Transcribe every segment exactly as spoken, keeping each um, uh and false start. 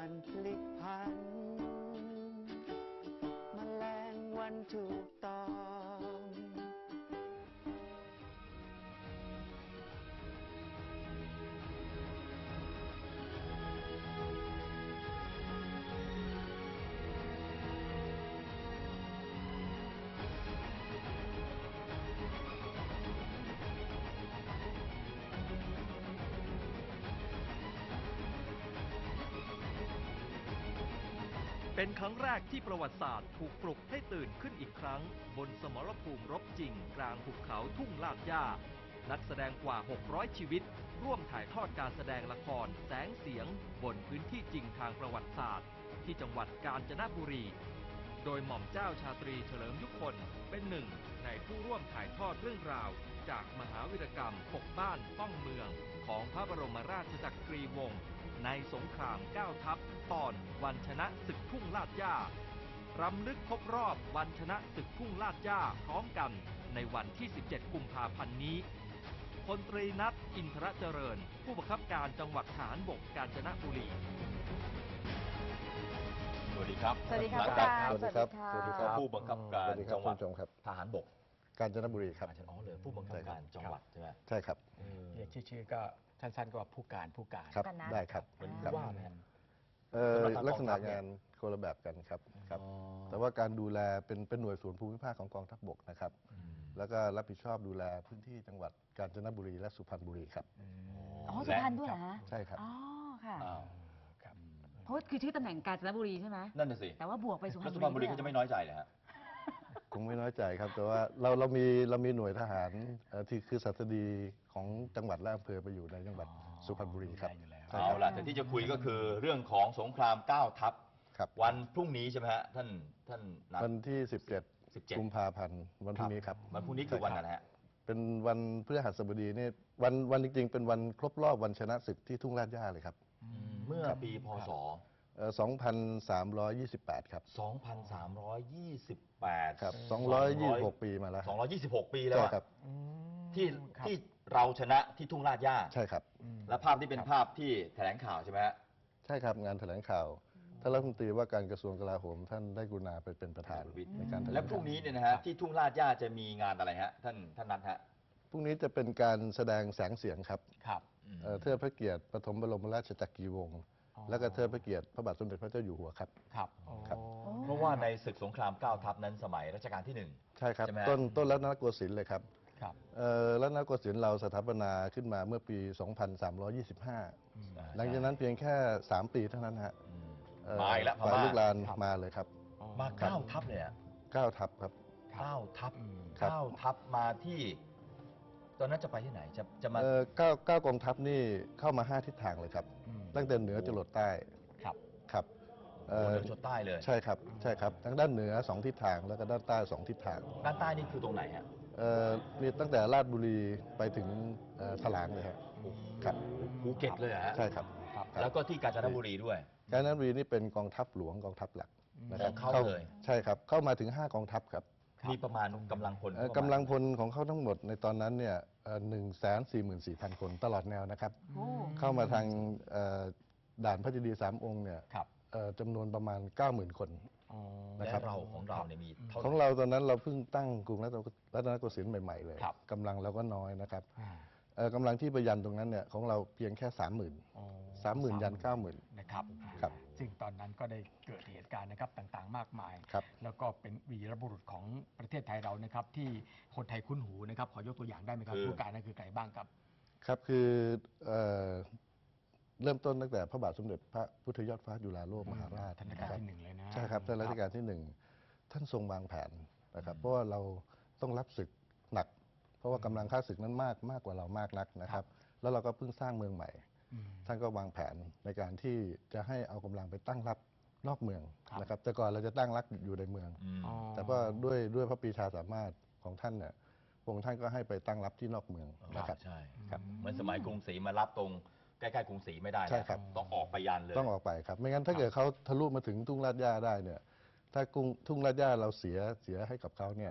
มันพลิกผันแมลงวันถูกต้องเป็นครั้งแรกที่ประวัติศาสตร์ถูกปลุกให้ตื่นขึ้นอีกครั้งบนสมรภูมิรบจริงกลางหุบเขาทุ่งลาดย่านักแสดงกว่าหกร้อยชีวิตร่วมถ่ายทอดการแสดงละครแสงเสียงบนพื้นที่จริงทางประวัติศาสตร์ที่จังหวัดกาญจนบุรีโดยหม่อมเจ้าชาตรีเฉลิมยุคลเป็นหนึ่งในผู้ร่วมถ่ายทอดเรื่องราวจากมหาวีรกรรมปกบ้านป้องเมืองของพระบรมราชจักรีวงศ์ในสงครามเก้าทัพตอนวันชนะศึกทุ่งลาดย่ารำลึกครบรอบวันชนะศึกทุ่งลาดย่าพร้อมกันในวันที่สิบเจ็ดกุมภาพันธ์นี้พลตรีนัทอินทรเจริญผู้บังคับการจังหวัดทหารบกกาญจนบุรีสวัสดีครับสวัสดีครับสวัสดีครับสวัสดีครับผู้บังคับการจังหวัดทหารบกกาญจนบุรีครับอ๋อเลยผู้บังคับการจังหวัดใช่ไหมใช่ครับเรียกชื่อก็สั้นๆก็ผู้การผู้การครับได้ครับเป็นว่าไหมลักษณะงานคนละแบบกันครับครับแต่ว่าการดูแลเป็นเป็นหน่วยศูนย์ภูมิภาคของกองทัพบกนะครับแล้วก็รับผิดชอบดูแลพื้นที่จังหวัดกาญจนบุรีและสุพรรณบุรีครับอ๋อสุพรรณด้วยเหรอฮะใช่ครับอ๋อค่ะครับเพราะคือชื่อตำแหน่งกาญจนบุรีใช่ไหมนั่นน่ะสิแต่ว่าบวกไปสุพรรณบุรีสุพรรณบุรีก็จะไม่น้อยใจเลยฮะคงไม่น้อยใจครับแต่ว่าเราเรามีเรามีหน่วยทหารที่คือศัสดีของจังหวัดและอำเภอไปอยู่ในจังหวัดสุพรรณบุรีครับเอาล่ะแต่ที่จะคุยก็คือเรื่องของสงครามเก้าทัพวันพรุ่งนี้ใช่ไหมฮะท่านท่านวันที่สิบเจ็ดกุมภาพันธ์วันพรุ่งนี้ครับวันพรุ่งนี้คือวันอะไรฮะเป็นวันพฤหัสบดีนี่วันวันจริงๆเป็นวันครบรอบวันชนะศึกที่ทุ่งลาดย่าเลยครับเมื่อปีพศสองพันสามร้อยยี่สิบแปดครับสองพันสามร้อยยี่สิบแปดครับสองร้อยยี่สิบหกปีมาแล้วสองร้อยยี่สิบหกปีแล้วครับที่ที่เราชนะที่ทุ่งลาดย่าใช่ครับและภาพที่เป็นภาพที่แถลงข่าวใช่ไหมฮะใช่ครับงานแถลงข่าวท่านรัฐมนตรีว่าการกระทรวงกลาโหมท่านได้กรุณาไปเป็นประธานในการแถลงและพรุ่งนี้เนี่ยนะฮะที่ทุ่งลาดย่าจะมีงานอะไรฮะท่านท่านนัทฮะพรุ่งนี้จะเป็นการแสดงแสงเสียงครับครับเทิดพระเกียรติปฐมบรมราชจักรีวงศ์และก็เทิดพระเกียรติพระบาทสมเด็จพระเจ้าอยู่หัวครับครับครับเพราะว่าในศึกสงครามเก้าทัพนั้นสมัยรัชกาลที่หนึ่งใช่ครับต้นต้นรัตนโกสินทร์เลยครับรัตนโกสินทร์เราสถาปนาขึ้นมาเมื่อปีสองพันสามร้อยยี่สิบห้าหลังจากนั้นเพียงแค่สามปีเท่านั้นฮะมาแล้วฝ่ายลูกลานมาเลยครับมาเก้าทัพเลยอ่ะเก้าทัพครับเก้าทัพเก้าทัพมาที่ตอนนั้นจะไปที่ไหนจะจะมาเก้าเก้ากองทัพนี่เข้ามาห้าทิศทางเลยครับตั้งแต่เหนือจรดใต้ครับครับเหนือจรดใต้เลยใช่ครับใช่ครับทั้งด้านเหนือสองทิศทางแล้วก็ด้านใต้สองทิศทางด้านใต้นี่คือตรงไหนฮะเอ่อมีตั้งแต่ราชบุรีไปถึงถลางเลยครับครับภูเก็ตเลยฮะใช่ครับแล้วก็ที่กาญจนบุรีด้วยกาญจนบุรีนี่เป็นกองทัพหลวงกองทัพหลักนะครับเข้าเลยใช่ครับเข้ามาถึงห้ากองทัพครับมีประมาณกำลังพลกำลังพลของเขาทั้งหมดในตอนนั้นเนี่ยหนึ่งแสนสี่หมื่นสี่พันคนตลอดแนวนะครับเข้ามาทางด่านพระเจดีย์สามองค์เนี่ยจำนวนประมาณเก้าหมื่นคนนะครับเราของเราเนี่ยมีของเราตอนนั้นเราเพิ่งตั้งกรุงรัตนโกสินทร์ใหม่ๆเลยกำลังเราก็น้อยนะครับกำลังที่ประยันตรงนั้นเนี่ยของเราเพียงแค่สามหมื่นสามหมื่นยันเก้าหมื่นนะครับครับซึ่งตอนนั้นก็ได้เกิดเหตุการณ์นะครับต่างๆมากมายแล้วก็เป็นวีรบุรุษของประเทศไทยเรานะครับที่คนไทยคุ้นหูนะครับขอยกตัวอย่างได้ไหมครับผู้การนั่นคือใครบ้างครับครับคือเริ่มต้นตั้งแต่พระบาทสมเด็จพระพุทธยอดฟ้าจุฬาโลกมหาราชรัชกาลที่หนึ่งเลยนะใช่ครับท่านรัชกาลที่หนึ่งท่านทรงวางแผนนะครับเพราะว่าเราต้องรับศึกหนักเพราะว่ากำลังข้าศึกนั้นมากมากกว่าเรามากนักนะครับแล้วเราก็เพิ่งสร้างเมืองใหม่ท่านก็วางแผนในการที่จะให้เอากำลังไปตั้งรับนอกเมืองนะครับแต่ก่อนเราจะตั้งรับอยู่ในเมืองแต่ว่าด้วยด้วยพระปรีชาสามารถของท่านเนี่ยพระองค์ท่านก็ให้ไปตั้งรับที่นอกเมืองนะครับใช่ครับเหมือนสมัยกรุงศรีมารับตรงใกล้ๆกรุงศรีไม่ได้ใช่ครับต้องออกไปยันเลยต้องออกไปครับไม่งั้นถ้าเกิดเขาทะลุมาถึงทุ่งลาดย่าได้เนี่ยถ้ากรุงทุ่งลาดย่าเราเสียเสียให้กับเขาเนี่ย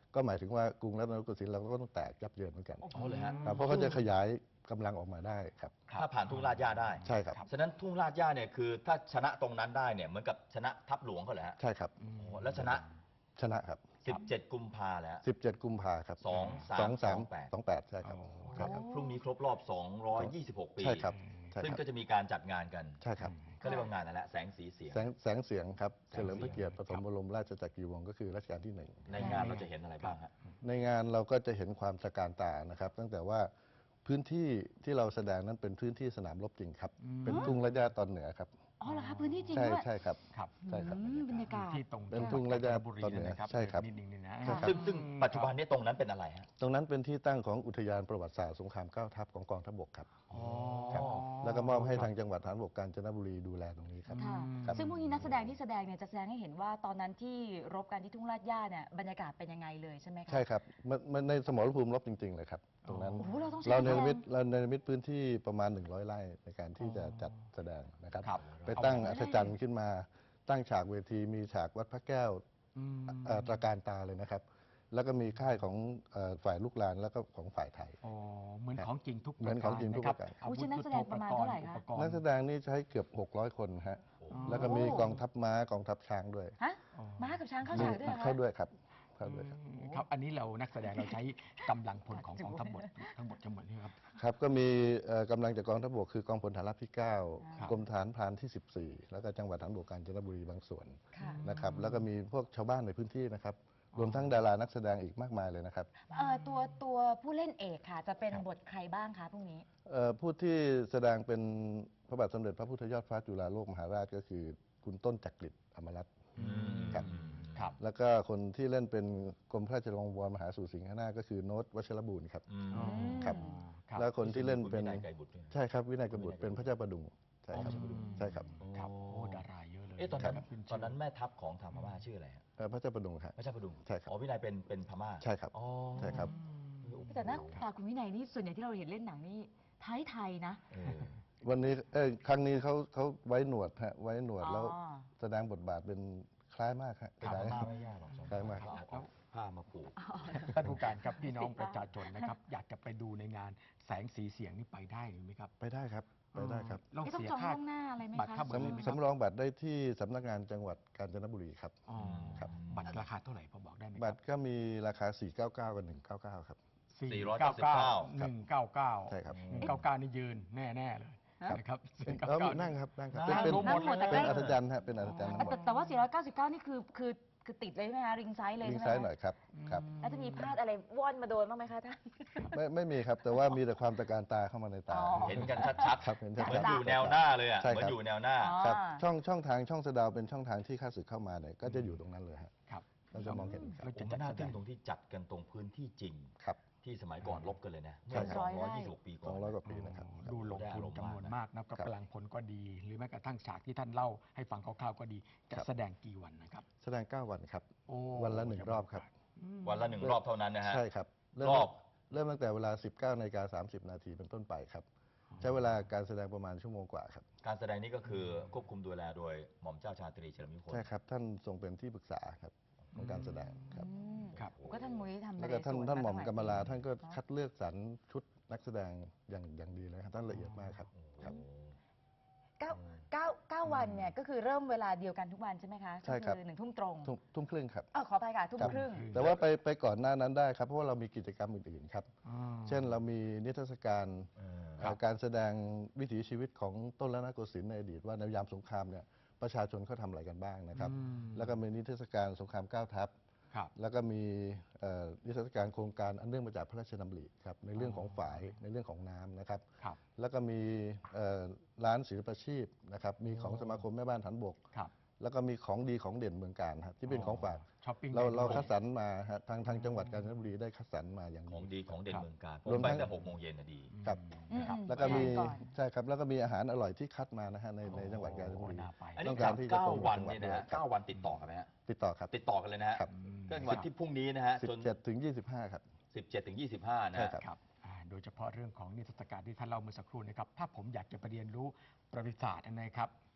ก็หมายถึงว่ากรุงรัตนโกสินทร์เราก็ต้องแตกยับเยินเหมือนกันอ๋อเลยฮะครับเพราะเขาจะขยายกำลังออกมาได้ครับถ้าผ่านทุ่งลาดย่าได้ใช่ครับฉะนั้นทุ่งลาดย่าเนี่ยคือถ้าชนะตรงนั้นได้เนี่ยเหมือนกับชนะทัพหลวงเขาเลยฮะใช่ครับโอ้โหแล้วชนะชนะครับสิบเจ็ด กุมภาแล้วสิบเจ็ด กุมภาครับสองสามสองสามสองแปดสองแปดใช่ครับโอ้ใช่ครับพรุ่งนี้ครบรอบ สองร้อยยี่สิบหก ปีใช่ครับใช่ซึ่งครับก็จะมีการจัดงานกันใช่ครับก็เรียกว่างานนั่นแหละแสงสีเสียงแสงแสงเสียงครับแสงเสียงเฉลิมพระเกียรติปฐมบรมราชจักรีวงศ์ก็คือรัชกาลที่หนึ่งในงานเราจะเห็นอะไรบ้างฮะในงานเราก็จะเห็นความตระการตานะครับ ตั้งแต่ว่าพื้นที่ที่เราแสดงนั้นเป็นพื้นที่สนามรบจริงครับ เป็นทุ่งระยะตอนเหนือครับอ๋อเหรอคะพื้นที่จริงใช่ด้วยใช่ครับครับใช่ครับอืมบรรยากาศที่ตรงเป็นทุ่งระยะจันทบุรีตอนเหนือนะครับใช่ครับนิดนึงนี่นะใช่ครับซึ่งซึ่งปัจจุบันนี้ตรงนั้นเป็นอะไรฮะตรงนั้นเป็นที่ตั้งของอุทยานประวัติศาสตร์สงครามเก้าทัพของกองทัพบกครับอ๋อครับ แล้วก็มอบให้ทางจังหวัดฐานบกกาญจนบุรีดูแลตรงนี้ครับค่ะครับซึ่งพวกนี้นักแสดงที่แสดงเนี่ยจะแสดงให้เห็นว่าตอนนั้นที่รบกันที่ทุ่งลาดย่าเนี่ยบรรยากาศเป็นยังไงเลยใช่ไหมคะใช่ครับมันมันในสมรภูมิรบจริง ๆ เลยครับ ตรงนั้นโอ้โหเราต้องใช้เรานักเนแสรดมิงตเราเนรมิตพื้นที่ประมาณ หนึ่งร้อย ไร่ในการที่จะจัดแสดงนะครับครับไปตั้งอัศจรรย์ขึ้นมา ตั้งฉากเวทีมีฉากวัดพระแก้วอืมเอ่อตระการตาเลยนะครับ แล้วก็มีค่ายของเอ่อฝ่ายลูกหลานแล้วก็ของฝ่ายไทยอ๋อเหมือนของจริงทุกเหมือนของจริงทุกประการอาอุ๊ยวุธนักแสดงประมาณเท่าไหร่คะอุปกรณ์นักแสดงนี่ใช้เกือบ หกร้อย คนฮะโอ้แล้วก็มีกองทัพม้ากองทัพช้างด้วยฮะม้ากับช้างเข้าฉากด้วยเหรอคะเข้าด้วยครับเข้าด้วยครับอืมครับ อันนี้เรานักแสดงเราใช้กำลังพลของกองทัพบกทั้งหมดทั้งหมดนี่ครับครับก็มีเอ่อกำลังจากกองทัพบกคือกองพลฐานราบที่ เก้าครับกรมฐานพรานที่ สิบสี่ แล้วก็จังหวัดฐานบกกาญจนบุรีบางส่วนค่ะนะครับแล้วก็มีพวกชาวบ้านในพื้นที่นะครับ รวมทั้งดารานักแสดงอีกมากมายเลยนะครับเอ่อตัวตัวผู้เล่นเอกค่ะ จะเป็นบทใครบ้างคะพรุ่งนี้เอ่อผู้ที่แสดงเป็นพระบาทสมเด็จพระพุทธยอดฟ้าจุฬาโลกมหาราชก็คือคุณต้นจักริดอมรัตน์อืมครับครับแล้วก็คนที่เล่นเป็นกรมพระราชวังวรมหาสู่สิงหนาถก็คือโน้ตวัชรบูรณ์ครับอืมอ๋อครับครับแล้วคนที่เล่นเป็นคุณวินัยไกรบุตรด้วยใช่ครับวินัยกบุตรเป็นพระเจ้าประดุงใช่ครับอ๋อใช่ครับครับโอ้ดาราเยอะเลยเอ๊ะตอนนั้นครับขึ้ตอนนั้นแม่ทัพของทางพม่าชื่ออะไรฮะเอ่อพระเจ้าประดุงครับพระเจ้าพดุงใช่ครับอ๋อวินัยเป็นเป็นพม่าใช่ครับอ๋อใช่ครับแต่หน้าตาคุณวินัยนี่ส่วนใหญ่ที่เราเห็นเล่นหนังนี่ไทยไทยๆนะเออวันนี้เอ้ยครั้งนี้เขาเขาไว้หนวดฮะไว้หนวดอ๋อแล้วแสดงบทบาทเป็นคล้ายมากฮะทางคล้ายพม่าไม่ยากหรอกสองคล้ายมากเอาเอาผ้ามาผูกท่านผู้การครับพี่น้องประชาชนนะครับ อยากจะไปดูในงานแสงสีเสียงนี่ไปได้หรือไม่ครับไปได้ครับไปได้ครับต้องไม่ต้องเสียจองค่าล่วงหน้าอะไรไหมบัตรคะค่าบัตรเลยไหมสำครับสำรองบัตรได้ที่สำนักงานจังหวัดกาญจนบุรีครับอ๋อครับบัตรราคาเท่าไหร่พอบอกได้ไหมคบัรัตรก็มีราคา สี่เก้าเก้า กับ หนึ่งเก้าเก้า ครับสี่ร้อยเก้าสิบเก้าหนึ่งเก้าเก้าใช่ครับหนึ่งเก้าเก้านี่ยืนแน่ๆเลยนะครับสี่เก้าแล้วเก้านั่งครับนั่งครับนั่งเป็นลงหมดเลยเป็นเป็นอัศจรรย์ฮะเป็นอัศจรรย์ทั้งหมแต่ดแต่ว่า สี่ร้อยเก้าสิบเก้า นี่คือคือคือติดเลยใช่ไหมคะ ริงไซส์เลยลิงใช่ไหมซ้ายหน่อยครับครับแล้วจะมีพลาดอะไรว่อนมาโดนบ้างไหมคะท่านไม่ไม่มีครับ แต่ว่ามีแต่ความตะการตาเข้ามาในตาอ๋อเห็นกันชัดๆครับเห็นชัดๆเหมือนอยู่แนวหน้าเลยอ่ะใช่เหมือครับนอยู่แนวหน้าอ๋อครับช่องช่องทางช่องสะดาวเป็นช่องทางที่ข้าศึกเข้ามาเนี่ยก็จะอยู่ตรงนั้นเลยฮะครับเราจะมองเห็นครับเราผจะมจัว่าดน่าแสดทึ่งงตรงที่จัดกันตรงพื้นที่จริงครับที่สมัยก่อนลบกันเลยนะใช่เมื่อคสรัอบ งร้อยยี่สิบหกปีสก่อองนร้อยกว่าปีนะครับดูลงทุนจำนวนมากนะกับกำลังพลก็ดี หรือแม้กระทั่งฉากที่ท่านเล่าให้ฟังคร่าวๆก็ดี จะครับแสดงกี่วันนะครับแสดง เก้า วันครับโอ้วันละหนึ่งรอบครับวันละหนึ่งรอบเท่านั้นนะฮะใช่ครับเริ่มรอบเริ่มตั้งแต่เวลา สิบเก้านาฬิกาสามสิบนาทีเป็นต้นไปครับ ใช้เวลาการแสดงประมาณชั่วโมงกว่าครับการแสดงนี้ก็คือควบคุมดูแลโดยหม่อมเจ้าชาตรีเฉลิมยุคนใช่ครับ ท่านทรงเป็นที่ปรึกษาครับของการแสดงครับอืมครับก็ท่านมุ้ยทำแล้วก็ท่านสวท่านหม่อมตั้งกำมลาหยปีท่านก็เอะคัดเลือกสรรชุดนักแสดงอย่างอย่างดีเลยครับท่านละเอียดมากครับครับเก้าเก้าเก้าวันเนี่ยก็คือเริ่มเวลาเดียวกันทุกวันใช่ไหมคะใช่ครับก็อหนึ่งทุ่มตรงทุ่มทุ่มครึ่งครับเออขออภัยค่ะทุ่มครับครึ่งแต่ว่าไปไปก่อนหน้านั้นได้ครับ เพราะว่าเรามีกิจกรรมอื่นๆครับอ๋อเช่นเรามีนิทรรศการเออเอ่อการแสดงวิถีชีวิตของต้นรัตนโกสินทร์ในอดีตว่าในยามสงครามเนี่ยประชาชนเขาทำอะไรกันบ้างนะครับอืมแล้วก็มีนิทรรศการสงครามเก้าทัพครับแล้วก็มีเอ่อนิทรรศการโครงการอันเนื่องมาจากพระราชดำริครับในเรื่องของฝายในเรื่องของน้ำนะครับครับแล้วก็มีเอ่อร้านศิลปาชีพนะครับมีของสมาคมแม่บ้านฐานบกครับแล้วก็มีของดีของเด่นเมืองการครับที่เป็นของฝากช้อปปิ้งเราเราได้ด้วยคัดสรรมาฮะทางทางจังหวัดกาญจนบุรีได้คัดสรรมาอย่างของดีดีของเด่นเมืองการผรวมมไปทั้งแต่หกโมงเย็นน่ะดีครับอืมครับอืมแล้วก็มีก่อนใช่ครับแล้วก็มีอาหารอร่อยที่คัดมานะฮะในในจังหวัดกาญจนบุรีโอ้น่าไปอันต้นี้องการที่จะเก้าโปรโมทวันจังหวัดเนี่ยนะฮะด้วยครับเก้าวันติดต่อกันไหมฮะติดต่อครับติดต่อกันเลยนะฮะครับก็วันที่พรุ่งนี้นะฮะสิบจนเจ็ดถึงยี่สิบห้าครับสิบเจ็ดถึงยี่สิบห้านะใช่ฮะครับครับอ่าโดยเฉพาะเรื่องของนิทรรศการที่ท่านเล่าเมื่อสักครู่นะครับ ถ้าผมอยากจะไปเรียนรู้ประวัติศาสตร์นะครับ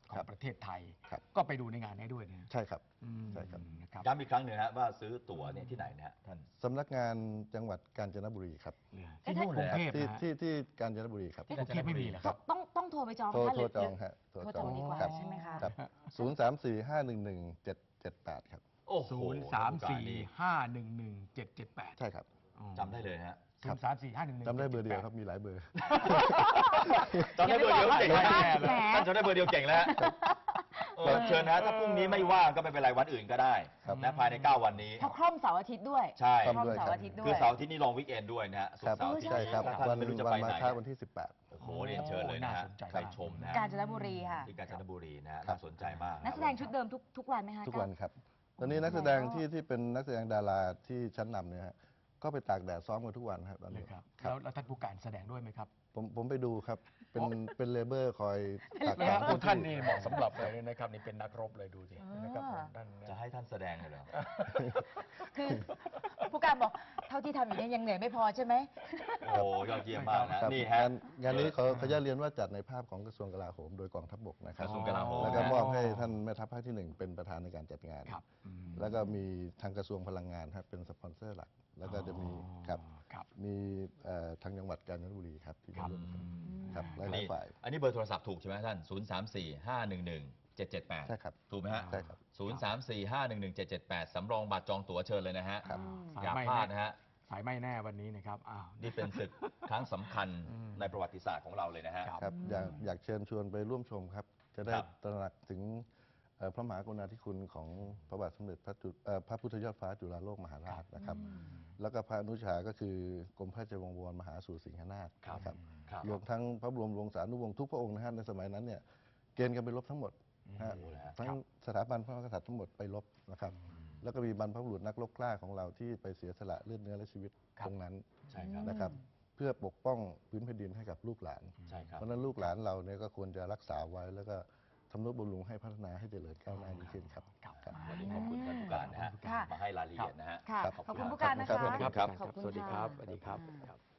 ขอครังบประเทศไทยครับก็ไปดูในงานนี้ด้วยนะใช่ครับอืมใช่ครับนะครับย้ำอีกครั้งหนึ่งนะว่าซื้อตั๋วเนี่ยที่ไหนนะฮะท่านสำนักงานจังหวัดกาญจนบุรีครับที่นู่นกรุงเทพกรุงที่นะฮะที่ที่กาญจนบุรีครับที่กรุงเทพไม่มีเหรอคต้รัอบ งต้องต้องโทรไปจองโทรคะโทหรรือจองฮะโทรจองดีกว่าครับใช่ไหมคะครับศูนย์สามสี่ห้าหนึ่งหนึ่งเจ็ดเจ็ดแปดครับโอ้โหศูนย์สามสี่ห้าหนึ่งหนึ่งเจ็ดเจ็ดแปดใช่ครับจำได้เลยนะฮะศูนย์สามสี่ห้าหนึ่งหนึ่งจำได้เบอร์เดียวครับ มีหลายเบอร์จำได้เบอร์เดียวเก่งแล้วอย่าไปบอกว่าท่านจำได้เบอร์เดียวเก่งแล้วฮะเออเชิญนะถ้าพรุ่งนี้ไม่ว่างก็ไม่เป็นไรวันอื่นก็ได้ครับนะภายในเก้าวันนี้เพราะคล่อมเสาร์อาทิตย์ด้วยใช่คล่อมเสาร์อาทิตย์ด้วยคือเสาร์อาทิตย์นี้ลองวิกเอนด้วยนะฮะศุกครับร์เสาร์อาทิตย์ใช่ครับถ้าท่าวันนไม่รู้จะวัไปนไหมาน ฆะวันที่สิบแปดโอ้โหเรียนเชิญเลยนะฮะน่าสนใจไปชมนะฮะกาญจนบุรีค่ะที่กาญจนบุรีนะฮะครับน่าสนใจมากนักแสดงชุดเดิมทุกทุกวันไหมคะทุกวันครับ ตอนนี้นักแสดงที่ที่เป็นนักแสดงดาราที่ชั้นนำเนี่ยฮะก็ไปตากแดดซ้อมกันทุกวันครับตอนเลนี้ยครับครัแล้บวแล้วท่านผู้การแสดงด้วยไหมครับผมผมไปดูครับ เป็นเป็นเลเบอร์คอยตากนะแดฮะดโอ้ท่านนี่เหมาะสำหรับเลยนะครับนี่เป็นนักรบเลยดูสินะครับผมท่านจะให้ท่านแสดงเลยเหรอคือผู้การบอกเท่าที่ทำอยู่เนี่ยยังเหนื่อยไม่พอใช่ไหมโอ้ยอดเยี่ยมมากนะครับนี่ฮะงานงานนี้ขอขออนุญาตเรียนว่าจัดในภาพของกระทรวงกลาโหมโดยกองทัพบกนะคกรับระทรวงกลาโหมแล้วก็มอบให้ท่านแม่ทัพภาคที่หนึ่งเป็นประธานในการจัดงานครับอืมแล้วก็มีทางกระทรวงพลังงานครับเป็นสปอนเซอร์หลัก แล้วก็จะมีครับครับมีเอ่อทางจังหวัดกาญจนบุรีครับที่ครับร่วมกันครับหอันลายนี้ๆฝ่ายอันนี้เบอร์โทรศัพท์ถูกใช่ไหมท่าน ศูนย์ สาม สี่ ห้า หนึ่ง หนึ่ง เจ็ด เจ็ด แปดใช่ครับถูกไหมฮะใช่ครับศูนย์ สาม สี่ ห้า หนึ่ง หนึ่ง เจ็ด เจ็ด แปด สำรองบัตรจองตั๋วเชิญเลยนะฮะครับอย่าพลาดนะฮะสายไม่แน่วันนี้นะครับอ้าวนี่เป็นศึกครั้งสำคัญอืมในประวัติศาสตร์ของเราเลยนะฮะครับครับอยากอยากเชิญชวนไปร่วมชมครับ จะได้ครับตระหนักถึงเอ่อพระมหากรุณาธิคุณของพระบาทสมเด็จพระจุเอ่อพระพุทธยอดฟ้าจุฬาโลกมหาราชนะครับ แล้วก็พระอนุชาก็คือกรมพระราชวงศ์วรมหาสู่สิงหนาถครับนะครับครับรวมทั้งพระบรมวงศานุวงศ์ทุกพระองค์นะฮะในสมัยนั้นเนี่ยเกณฑ์กันไปรบทั้งหมดนะฮะโอ้โหแล้วทั้งสถาบันพระมหากษัตริย์ทั้งหมดไปรบนะครับ แล้วก็มีบรรพบุรุษนักรบกล้าของเราที่ไปเสียสละเลือดเนื้อและชีวิตครับตรงนั้นใช่ครับนะครับ เพื่อปกป้องพื้นแผ่นดินให้กับลูกหลานใช่ครับเพราะฉะนั้นลูกหลานเราเนี่ยก็ควรจะรักษาไว้ แล้วก็ทำนุบำรุงให้พัฒนาให้เจริญก้าวหน้ายิ่งขึ้นครับครับครับวันนี้ขอบคุณท่านผู้การนะฮะค่ะมาให้รายละเอียดนะฮะค่ะครับขอบคุณผู้การนะคะขอบคุณครับขอบคุณสวัสดีะครับสวัสดีครับอ่าครับ